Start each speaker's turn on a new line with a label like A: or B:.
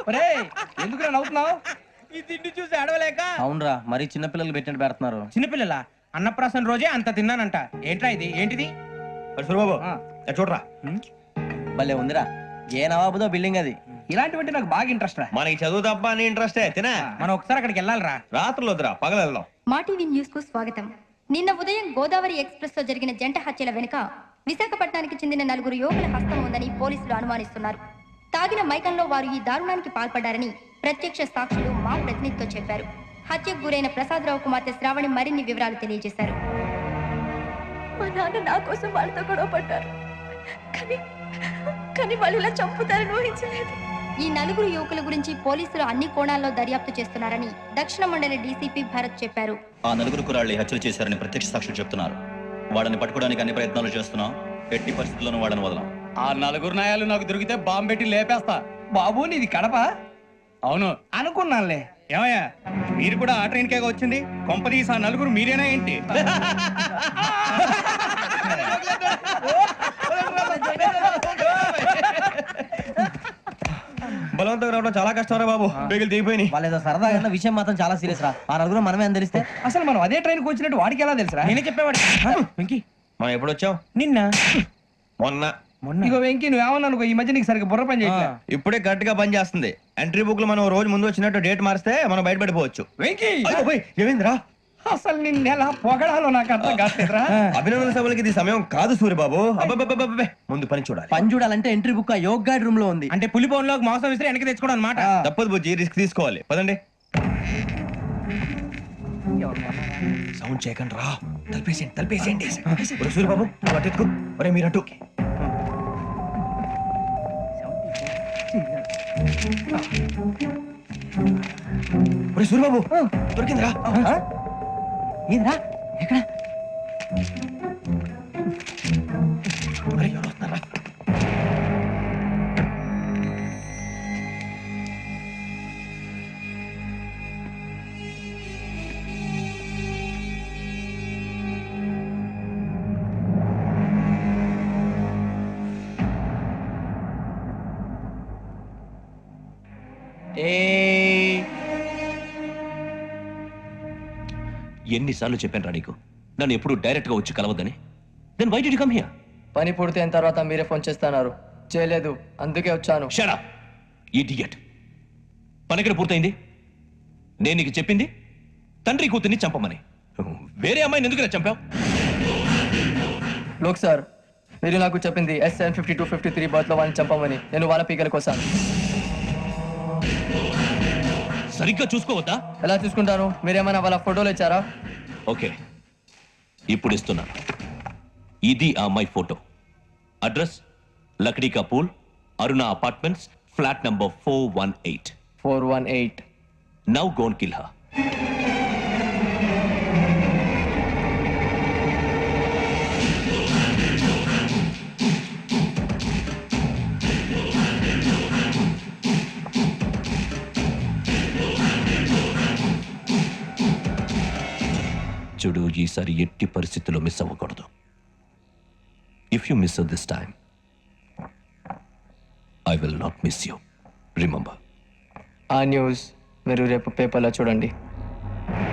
A: ఎందుకు నవ్వుతున్నావు?
B: ఈ తిండి చూసి అడవలేక.
C: అవునరా, మరి చిన్నపిల్లలు పెట్టినట్టు పెడుతున్నారు.
B: చిన్నపిల్లల అన్నప్రాసన రోజే అంత తిన్నానంట. ఏంట్రా ఇది? ఏంటిది?
A: బాబు చూడరా,
C: భలే ఉందిరా. ఏ నవాబుదో బిల్డింగ్ అది.
A: ఇలాంటివంటే నాకు బాగా ఇంట్రెస్ట్ రా.
D: మనకి చదువు తప్ప అని ఇంట్రెస్టే తినా.
B: మనం ఒకసారి అక్కడికి వెళ్ళాలిరా.
D: రాత్రులు వద్దురా, పగలు వెళ్దాం.
E: మా టీవీ న్యూస్ కు స్వాగతం. నిన్న ఉదయం గోదావరి ఎక్స్ప్రెస్ లో జరిగిన జంట హత్యల వెనుక విశాఖపట్నానికి చెందిన 4 యువకుల హస్తం ఉందని పోలీసులు అనుమానిస్తున్నారు. తాగిన మైకంలో వారు ఈ దారుణానికి పాల్పడ్డారని ప్రత్యక్ష సాక్షులు మా ప్రతినిధితో చెప్పారు. హత్యకు గురైన ప్రసాదరావు కుమార్తె శ్రావణి మరిన్ని వివరాలు తెలియజేశారు.
F: మా నాన్న నా కోసం వాళ్ళతో గొడవ పడ్డారు, కానీ వాళ్ళు ఇలా చంపుతారని ఊహించలేదు.
E: ఈ 4 యువకుల గురించి పోలీసులు అన్ని కోణాల్లో దర్యాప్తు చేస్తున్నారని దక్షిణ మండలి డీసీపీ భరత్ చెప్పారు.
G: ఆ 4 కుర్రాళ్ళు హత్యలు చేశారని ప్రత్యక్ష సాక్షులు చెప్తున్నారు. వాళ్ళని పట్టుకోవడానికి అన్ని ప్రయత్నాలు చేస్తున్నాం. ఎట్టి పరిస్థితుల్లోనూ వాళ్ళని వదలం.
A: ఆ 4 నాయాలు నాకు దొరికితే బాంబు పెట్టి లేపేస్తా. బాబు నీది కడప? అవును అనుకున్నానులే. ఏమయ్యా, మీరు కూడా ఆ ట్రైన్ కేగా వచ్చింది? కొంపదీసి ఆ 4 మీరేనా ఏంటి?
D: బలవంతంగా రావడం చాలా కష్టం రా బాబు. బేగులు దిగిపోయినాయి.
C: వాళ్ళేదో సరదాగా విషయం మాత్రం చాలా సీరియస్ రా. ఆ 4 మనమే అని తెలిస్తే
A: అసలు మనం అదే ట్రైన్ కి వచ్చినట్టు వాడికి ఎలా తెలుసురా?
B: నేనే చెప్పేవాడు. వెంకీ,
D: మనం ఎప్పుడు వచ్చాం?
B: నిన్న
D: మొన్న.
A: ఇగో వెంకీ, నువ్వేమన్నా అనుకో, ఈ మధ్య నీకు సరిగ్గా బుర్ర పని చేయట్లే.
D: ఇప్పుడే కరెక్ట్ గా పని చేస్తుంది. ఎంట్రీ బుక్ లో మనం రోజు ముందు వచ్చినట్టు డేట్ మారిస్తే మనం బయటపడిపోవచ్చు.
A: వెంకీ,
D: ఏమైందిరా?
A: అసలు నిన్న ఎలా పొగడాలో నాకు అర్థం కాట్లేదురా.
D: అభినందన సభలకి ఇది సమయం కాదు సూర్యబాబు. అబ్బబ్బబ్బబ్బబ్బే, ముందు పని చూడాలి.
C: పని చూడాలంటే ఎంట్రీ బుక్ ఆ యోగ్ గైడ్ రూమ్ లో ఉంది.
B: అంటే పులి బోన్లోకి మాంసం విసిరి వెనక్కి తెచ్చుకోవడం అనమాట.
D: తప్పదు బుజ్జి, రిస్క్ తీసుకోవాలి. పదండి. సౌండ్ చేయకండి రా. తలపేసేయండి. సూర్యబాబు నువ్వు అటు ఎత్తుకో. ఒరే మీరు అటు. ఒరే సూర్యబాబు, దొరికిందిరా.
C: ఏంద్రా ఎక్కడ?
D: ఒరే ఎవరు వస్తున్నారా?
G: ఎన్నిసార్లు చెప్పాను రా నీకు, నన్ను ఎప్పుడు డైరెక్ట్ గా వచ్చి కలవద్దని. Then why did you come here?
H: పని పూర్తయిన తర్వాత మీరే ఫోన్ చేస్తున్నారు. చేయలేదు, అందుకే వచ్చాను.
G: Shut up idiot. పని ఎక్కడ పూర్తయింది? నేను నీకు చెప్పింది తండ్రి కూతుర్ని చంపమని. వేరే అమ్మాయిని ఎందుకు చంపావు?
H: లోక్ సార్, మీరు నాకు చెప్పింది SN5253 బర్త్ లో వాళ్ళని చంపమని. నేను వాళ్ళ పీకల కోసం.
G: సరిగ్గా చూసుకోవద్దా?
H: ఎలా చూసుకుంటాను? మీరేమైనా వాళ్ళ ఫోటోలు ఇచ్చారా?
G: ఓకే, ఇప్పుడు ఇస్తున్నాను. ఇది ఆ అమ్మాయి photo. Address Lakdi ka Pul, Aruna apartments, flat number 418.
H: 418.
G: Now go and kill her. చూడు, ఈసారి ఎట్టి పరిస్థితుల్లో మిస్ అవ్వకూడదు. If you miss this time, I will not miss you. Remember.
H: ఆ న్యూస్ మీరు రేపు పేపర్లో చూడండి.